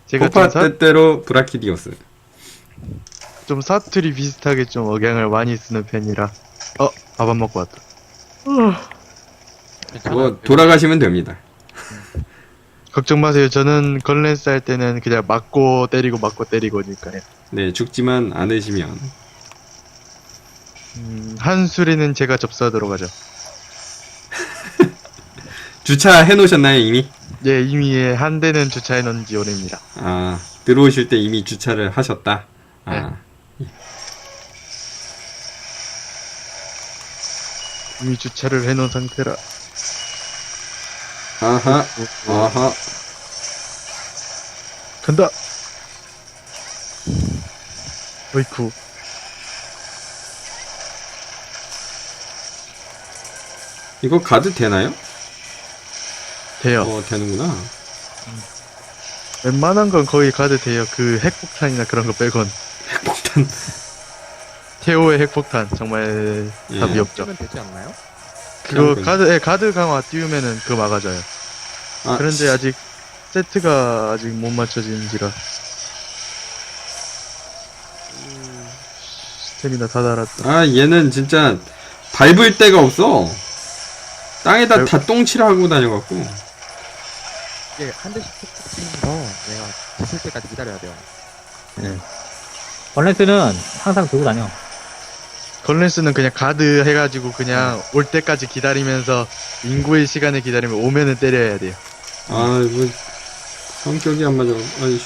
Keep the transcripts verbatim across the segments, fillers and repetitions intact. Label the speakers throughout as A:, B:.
A: 제가
B: 코파
A: 좀, 사,
B: 때때로 브라키디오스.
A: 좀 사투리 비슷하게 좀 억양을 많이 쓰는 편이라. 어, 밥 안 먹고 왔다.
C: 괜찮아요.
B: 뭐 돌아가시면 됩니다.
A: 걱정 마세요. 저는 건랜스 할 때는 그냥 맞고 때리고 맞고 때리고니까요.
B: 네, 죽지만 않으시면.
A: 음, 한 수리는 제가 접수하도록 하죠.
B: 주차 해놓으셨나요, 이미?
A: 예, 이미 한 대는 주차해 놓은 지 오래입니다.
B: 아, 들어오실 때 이미 주차를 하셨다? 아,
A: 이미 주차를 해 놓은 상태라.
B: 아하, 아하.
A: 간다! 어이쿠.
B: 이거 가도 되나요?
A: 돼요.
B: 어, 되는구나.
A: 웬만한 건 거의 가도 돼요. 그 핵폭탄이나 그런 거 빼곤.
B: 핵폭탄.
A: 태오의 핵폭탄. 정말
B: 예.
A: 답이 없죠.
C: 쓰면 되지 않나요?
A: 그거
B: 그냥
A: 가드, 예, 가드 강화 띄우면은 그거 막아줘요.
B: 아,
A: 그런데 아직 세트가 아직 못 맞춰진지라. 음, 스태미나 다 달았다.
B: 아, 얘는 진짜 밟을 데가 없어. 땅에다
A: 밟-
B: 다 똥칠하고 다녀갖고.
C: 이게 한 대씩 툭툭 치면서 내가 지칠 때까지 기다려야 돼요.
D: 벌레스는 항상 들고 다녀.
A: 건랜스는 그냥 가드 해가지고 그냥 올 때까지 기다리면서 인구의 시간을 기다리면 오면은 때려야 돼요.
B: 아, 이거 성격이 안 맞아. 아이,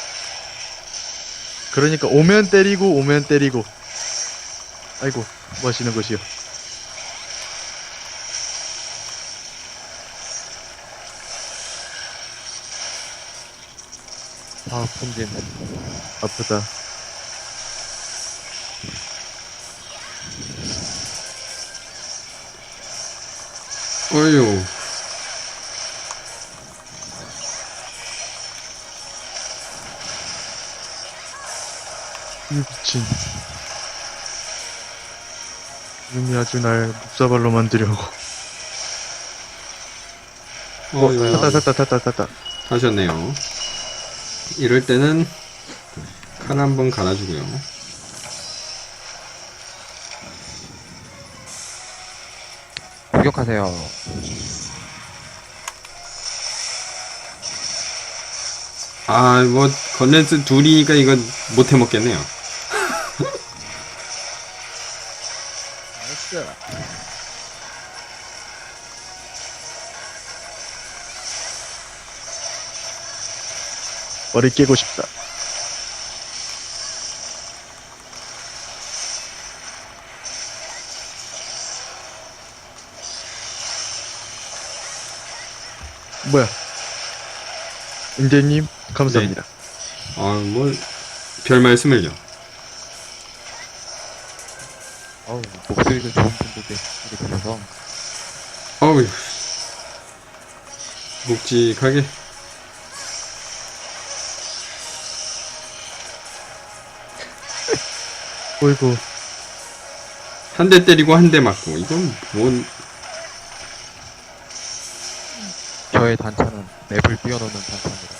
A: 그러니까 오면 때리고 오면 때리고. 아이고 뭐 하시는 것이요.
C: 아, 본진.
A: 아프다.
B: 어휴.
A: 이 미친. 이놈이 아주 날 묵사발로 만들려고.
B: 어휴.
A: 탔다 탔다 탔다 탔다.
B: 하셨네요. 이럴 때는 칼 한번 갈아주고요.
C: 공격하세요.
B: 아, 뭐 건렌스 둘이니까 이건 못 해먹겠네요.
C: 나이스.
A: 머리 깨고 싶다. 뭐야? 임대님 감사합니다.
B: 아, 뭐 별 말씀을요.
C: 어우, 목소리도 좋은 분들께 이렇게 들려서.
B: 어휴. 묵직하게.
A: 어이구.
B: 한 대 때리고 한 대 맞고. 이건 뭔,
C: 저의 단차는 맵을 뛰어넘는 단차입니다.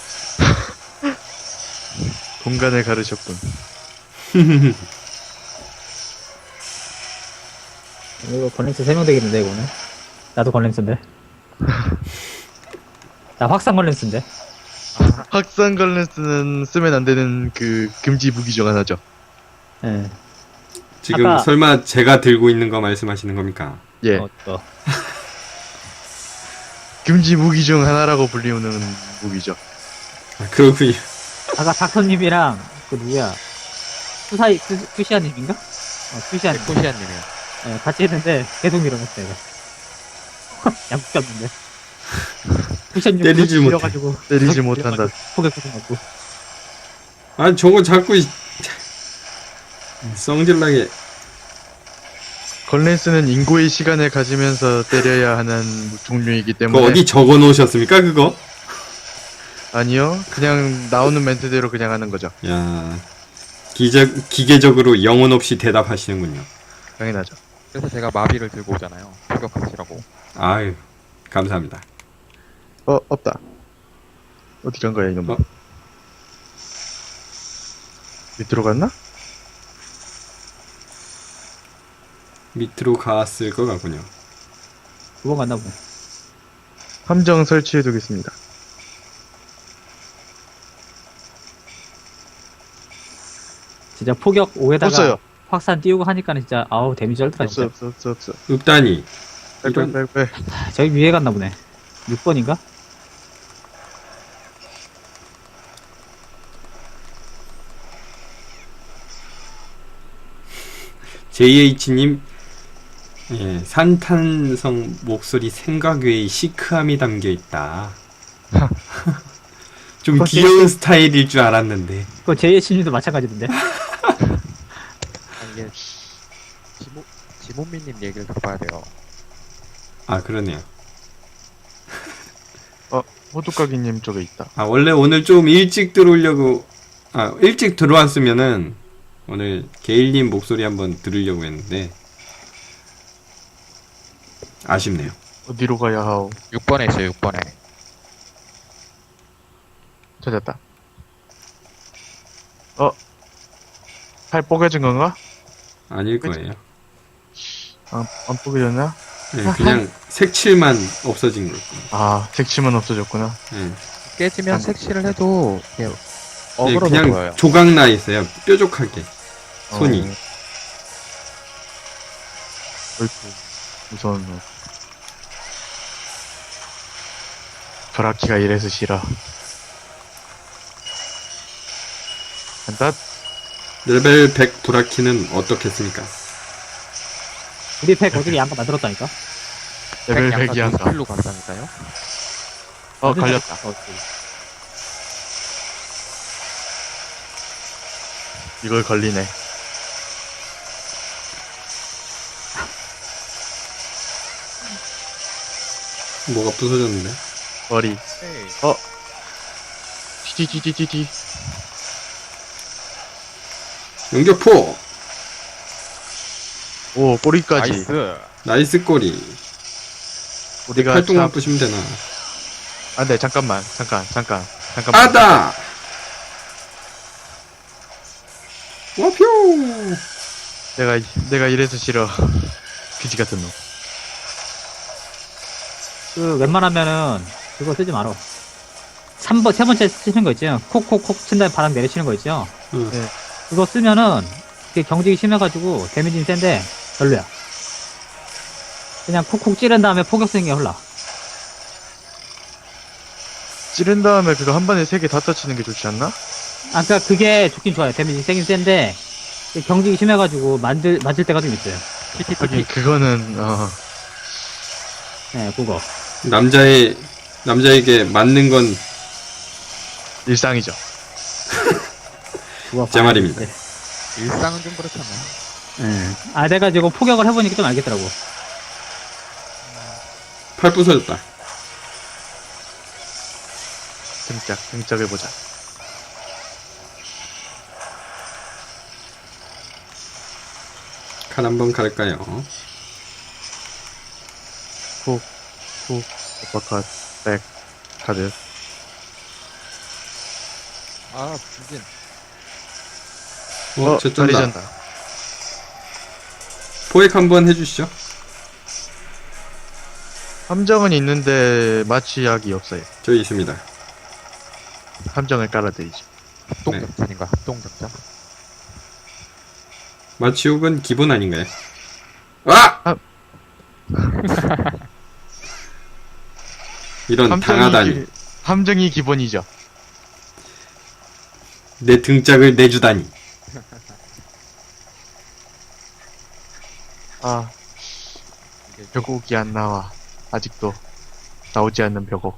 A: 공간을 가르셨군.
D: 이거 건렌스 세 명 되겠는데, 이거는. 나도 건렌스인데. 나 확산 건렌스인데.
A: 확산 걸렌스는 쓰면 안 되는 그 금지 무기 중 하나죠.
D: 예.
B: 지금
D: 아까-
B: 설마 제가 들고 있는 거 말씀하시는 겁니까?
A: 예.
D: 어, 어.
A: 금지 무기 중 하나라고 불리우는 무기죠.
B: 아, 그렇군요.
D: 아까 닥터님이랑, 그 누구야. 수사이, 수, 수시아님인가? 어, 수시아님.
C: 코시아님이요.
D: 예, 같이 했는데, 계속 밀어냈어, 이거. 양국 잡는데. 수시아님
B: 때리지 못해.
D: 밀어가지고.
A: 때리지
D: 계속
A: 못한다.
D: 밀어가지고 포개 꽂아갖고.
B: 아, 저거 자꾸 이- 성질나게.
A: 걸렌스는 인고의 시간을 가지면서 때려야 하는 종류이기
B: 그거
A: 때문에
B: 어디 적어 놓으셨습니까, 그거?
A: 아니요. 그냥 나오는 멘트대로 그냥 하는 거죠.
B: 야, 기적, 기계적으로 영혼 없이 대답하시는군요.
A: 당연하죠.
C: 그래서 제가 마비를 들고 오잖아요. 공격하시라고.
B: 아유, 감사합니다.
A: 어, 없다. 어디 간 거야, 이놈.
B: 어?
A: 밑으로 갔나?
B: 밑으로 갔을 것 같군요.
D: 두 번 갔나 보네.
A: 함정 설치해 두겠습니다.
D: 진짜 포격 오에다가
A: 없어요.
D: 확산 띄우고 하니까는 진짜 아우 데미지 쩔더라
A: 없어,
D: 진짜.
A: 없어, 없어, 없어.
B: 읍단이.
A: 빨리,
B: 이런-
A: 빨리, 빨리, 빨리.
D: 저기 위에 갔나 보네. 육 번인가?
B: 제이에이치님, 예, 산탄성 목소리 생각 외의 시크함이 담겨 있다. 좀
D: 그거
B: 귀여운 스타일일 줄 알았는데.
D: 그거 제이에이치님도 마찬가지던데.
C: 아, 이게 지모 지모미님 얘기를 들어봐야 돼요.
B: 아, 그러네요.
A: 호두까기님 쪽에 있다.
B: 아, 원래 오늘 좀 일찍 들어오려고, 아, 일찍 들어왔으면은, 오늘 게일님 목소리 한번 들으려고 했는데, 아쉽네요.
A: 어디로 가야 하오?
C: 육 번에 있어요. 육 번에.
A: 찾았다. 어? 팔 뽀개진 건가?
B: 아닐 거예요.
A: 안, 안 뽀개졌나?
B: 네, 그냥 색칠만 없어진 걸 거예요.
A: 아, 색침은 없어졌구나.
B: 네.
C: 깨지면
A: 안-
C: 색칠을 해도 그냥
B: 네,
C: 어그러져
B: 그냥
C: 보여요.
B: 조각 나 있어요. 뾰족하게. 손이.
A: 어. 어이쿠, 무서운 놈. 브라키가 이래서 싫어. 간다?
B: 레벨 백 브라키는 어떻겠습니까?
D: 우리 팩 어떻게 양가 만들었다니까?
A: 레벨
C: 약간
A: 백이 한가.
C: 노스킬로 간다니까요.
A: 어, 걸렸다.
D: 어,
A: 이걸 걸리네.
B: 뭐가 부서졌는데?
A: 머리.
C: 에이.
A: 어? 티티티티티.
B: 연격포!
A: 오, 꼬리까지.
C: 나이스.
B: 나이스 꼬리.
A: 우리가
B: 팔뚝만
A: 참...
B: 부시면 되나?
A: 안 돼, 잠깐만. 잠깐, 잠깐. 잠깐만.
B: 아다! 와표!
A: 내가, 내가 이래서 싫어. 그지 같은 놈.
D: 그 웬만하면은 그거 쓰지 말어. 삼 번, 세 번째 쓰시는 거 있죠? 콕콕콕 친 다음에 바람 내리치는 거 있죠?
B: 응.
A: 네.
D: 그거 쓰면은 그게 경직이 심해가지고 데미지는 센데 별로야. 그냥 콕콕 찌른 다음에 포격 쓰는 게 홀라.
A: 찌른 다음에 그거 한 번에 세 개 다 터치는 게 좋지 않나?
D: 아, 그니까 그게 좋긴 좋아요. 데미지 세긴 센데 그게 경직이 심해가지고 만들, 맞을 때가 좀 있어요.
C: 티티티티.
A: 하긴, 그거는, 어,
D: 네, 그거.
B: 남자의, 남자에게 맞는 건
A: 일상이죠.
D: 그거
B: 제
D: 봐야
B: 말입니다.
D: 되는데.
C: 일상은 좀 그렇잖아요.
D: 네. 아, 내가 지금 포격을 해보니까 좀 알겠더라고.
B: 팔 부서졌다.
A: 등짝, 등짝해보자.
B: 칼 한번 갈까요?
A: 훅, 훅, 오퍼컷, 백, 카드.
C: 아, 진진.
B: 어,
A: 어,
B: 저
A: 다리
B: 쩐다.
A: 잔다.
B: 포획 한번 해주시죠.
A: 함정은 있는데, 마취약이 없어요.
B: 저기 있습니다.
A: 함정을 깔아드리죠.
C: 합동작전인가? 합동작전.
B: 마취욕은 기본 아닌가요? 아!
A: 아.
B: 이런 당하다니.
A: 기- 함정이 기본이죠.
B: 내 등짝을 내주다니.
A: 아, 벽옥이 안 나와. 아직도 나오지 않는 벽옥.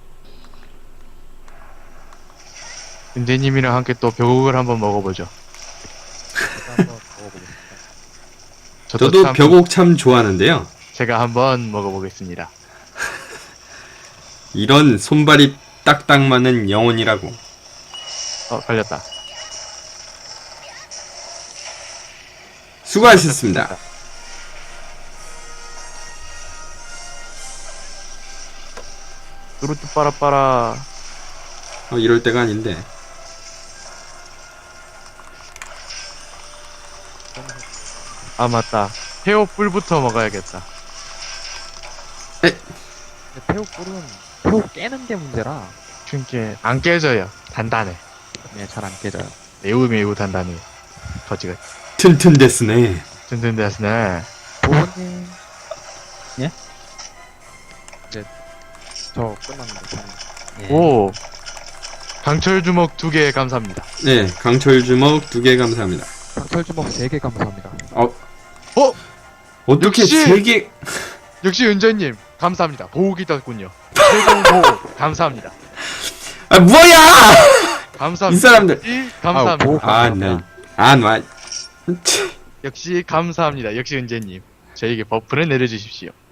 A: 은재님이랑 함께 또 벽옥을 한번 먹어보죠.
C: 제가 한번 먹어보겠습니다.
A: 저도,
B: 저도
A: 참
B: 벽옥 참 좋아하는데요.
A: 제가 한번 먹어보겠습니다.
B: 이런 손발이 딱딱 맞는 영혼이라고.
A: 어, 걸렸다.
B: 수고하셨습니다.
A: 뚜루뚜 빠라빠라.
B: 어, 이럴 때가 아닌데.
A: 아 맞다. 페오 뿔부터 먹어야겠다.
C: 근데 태우 꿀은 태우 깨는 게 문제라
A: 그게 안 깨져요. 단단해.
C: 네, 잘 안 깨져요.
A: 매우 매우 단단해. 거지가
B: 튼튼데스네.
A: 든든데스네.
C: 보호님.
D: 예?
C: 이제 저 끝났는데 저는
D: 예.
A: 오. 강철 주먹 두 개 감사합니다.
B: 네, 강철 주먹 두 개 감사합니다.
C: 강철 주먹 세 개 감사합니다.
B: 어,
A: 어?
B: 어떻게
A: 역시!
B: 세 개?
A: 역시 은재님 감사합니다. 보호기 떴군요. 최종 보호 감사합니다.
B: 아, 뭐야!
A: 감사합니다.
B: 이 사람들.
A: 역시 감사합니다.
C: 보호
B: 아, 네. 아, 나.
A: 역시 감사합니다. 역시 은재님. 저에게 버프를 내려주십시오.